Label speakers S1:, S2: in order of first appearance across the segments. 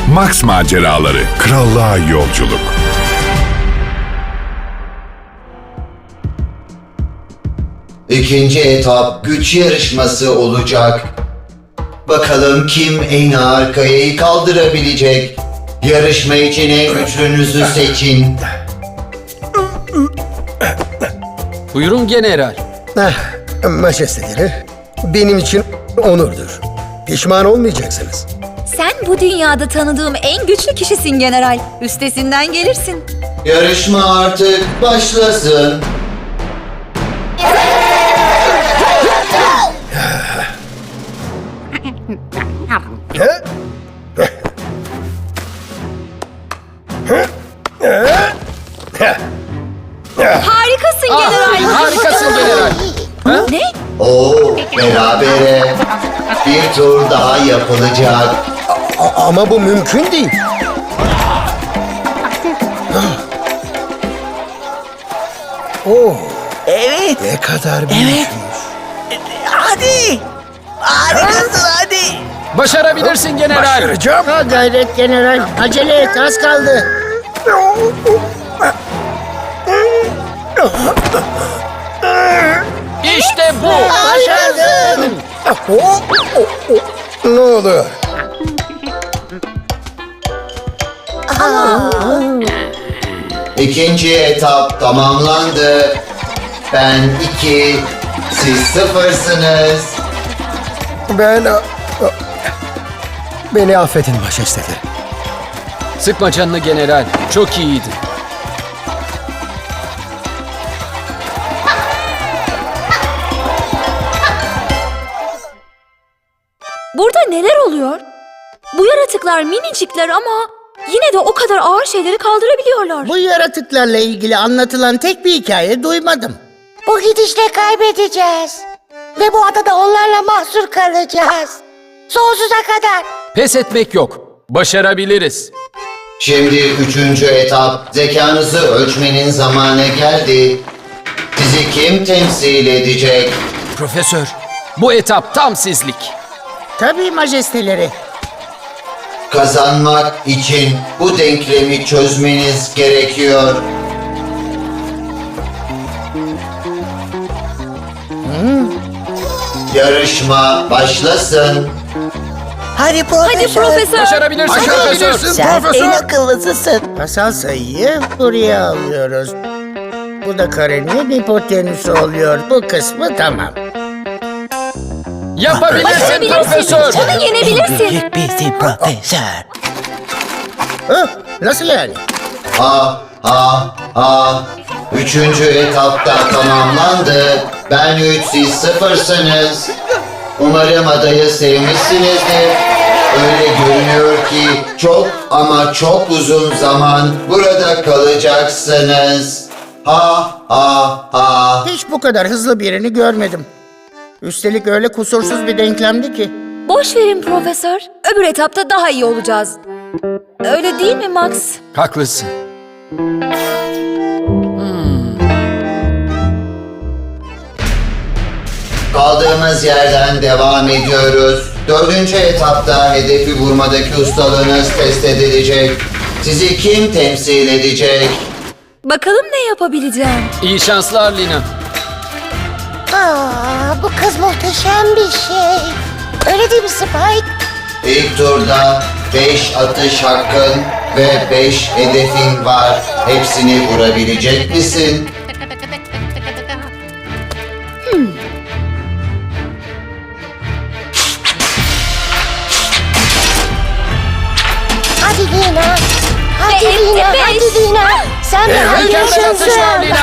S1: Max Maceraları, Krallığa Yolculuk.
S2: İkinci etap güç yarışması olacak. Bakalım kim en ağır kayayı kaldırabilecek? Yarışma için en güçlünüzü seçin.
S3: Buyurun general.
S4: Majesteleri, benim için onurdur. Pişman olmayacaksınız.
S5: Sen bu dünyada tanıdığım en güçlü kişisin general. Üstesinden gelirsin.
S2: Yarışma artık başlasın.
S5: Harikasın general.
S3: Harikasın general.
S5: Ne?
S2: Oo, berabere. Bir tur daha yapılacak.
S4: Ama bu mümkün değil. Oh,
S6: Evet.
S4: ne kadar büyükmüş.
S6: Hadi. Harikasın hadi.
S3: Başarabilirsin general.
S4: Başaracağım.
S6: Ha gayret general. Acele et az kaldı.
S3: İşte bu.
S6: Başardın.
S4: Ne oluyor?
S2: İkinci etap tamamlandı. Ben 2, siz 0'sınız.
S4: Beni affedin majesteleri.
S3: Sıkma canını general. Çok iyiydi.
S5: Burada neler oluyor? Bu yaratıklar minicikler ama yine de o kadar ağır şeyleri kaldırabiliyorlar.
S6: Bu yaratıklarla ilgili anlatılan tek bir hikaye duymadım.
S7: Bu gidişle kaybedeceğiz. Ve bu adada onlarla mahsur kalacağız. Sonsuza kadar.
S3: Pes etmek yok. Başarabiliriz.
S2: Şimdi üçüncü etap, zekanızı ölçmenin zamanı geldi. Sizi kim temsil edecek?
S3: Profesör, bu etap tam sizlik.
S6: Tabii majesteleri.
S2: Kazanmak için bu denklemi çözmeniz gerekiyor. Yarışma başlasın.
S7: Hadi profesör.
S5: Hadi profesör.
S3: Başarabilirsin profesör.
S7: Sen en akıllısısın.
S6: Asal sayıyı buraya alıyoruz. Bu da karenin hipotenüsü oluyor. Bu kısmı tamam.
S3: Yapabilirsin
S5: Başarabilirsin.
S3: profesör.
S5: Onu yenebilirsin.
S7: bizim profesör.
S6: Nasıl yani?
S2: Üçüncü etapta tamamlandı. Ben 3, siz 0'sınız. Umarım adayı sevmişsinizdir. Öyle görünüyor ki çok ama çok uzun zaman burada kalacaksınız.
S6: Hiç bu kadar hızlı birini görmedim. Üstelik öyle kusursuz bir denklemdi ki.
S5: Boş verin profesör. Öbür etapta daha iyi olacağız. Öyle değil mi Max?
S3: Haklısın.
S2: Kaldığımız yerden devam ediyoruz. Dördüncü etapta hedefi vurmadaki ustalığınız test edilecek. Sizi kim temsil edecek?
S5: Bakalım ne yapabileceğim.
S3: İyi şanslar Lina.
S7: Bu kız muhteşem bir şey. Öyle değil mi Spike?
S2: İlk turda 5 atış hakkın ve 5 hedefin var. Hepsini vurabilecek misin?
S7: Hadi Lina. Hadi
S5: Ve
S7: Lina.
S5: etti
S7: Hadi
S5: beş.
S7: Lina. Sen
S3: Mükemmel atışlar Lina.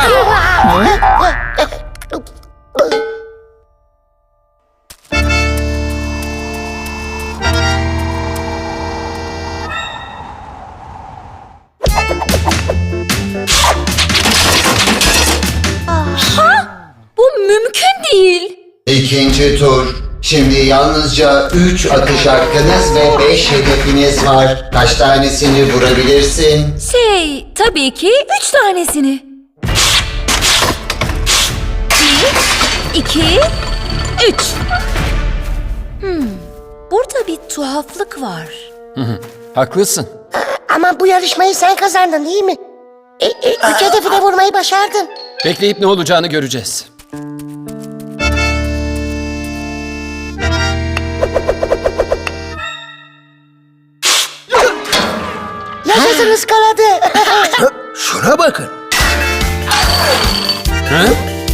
S5: Bu mümkün değil.
S2: İkinci tur. Şimdi yalnızca 3 atış hakkınız ve 5 hedefiniz var. Kaç tanesini vurabilirsin?
S5: Tabii ki 3 tanesini. 1, 2, 3. Burada bir tuhaflık var.
S3: Haklısın.
S7: Ama bu yarışmayı sen kazandın değil mi? Üç hedefi de vurmayı başardın.
S3: Bekleyip ne olacağını göreceğiz.
S7: Yaşasın ıskaladı.
S4: Şuna bakın.
S3: Ha?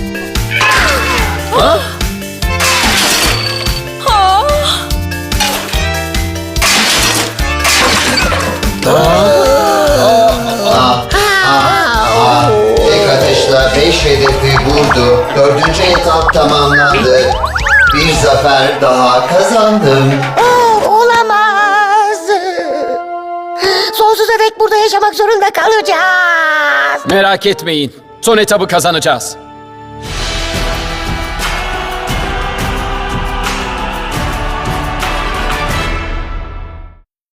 S2: Tek atışla 5 hedefi vurdu. 4. etap tamamlandı. Bir zafer daha kazandım.
S7: Olamaz. Sonsuza dek burada yaşamak zorunda kalacağız.
S3: Merak etmeyin. Son etabı kazanacağız.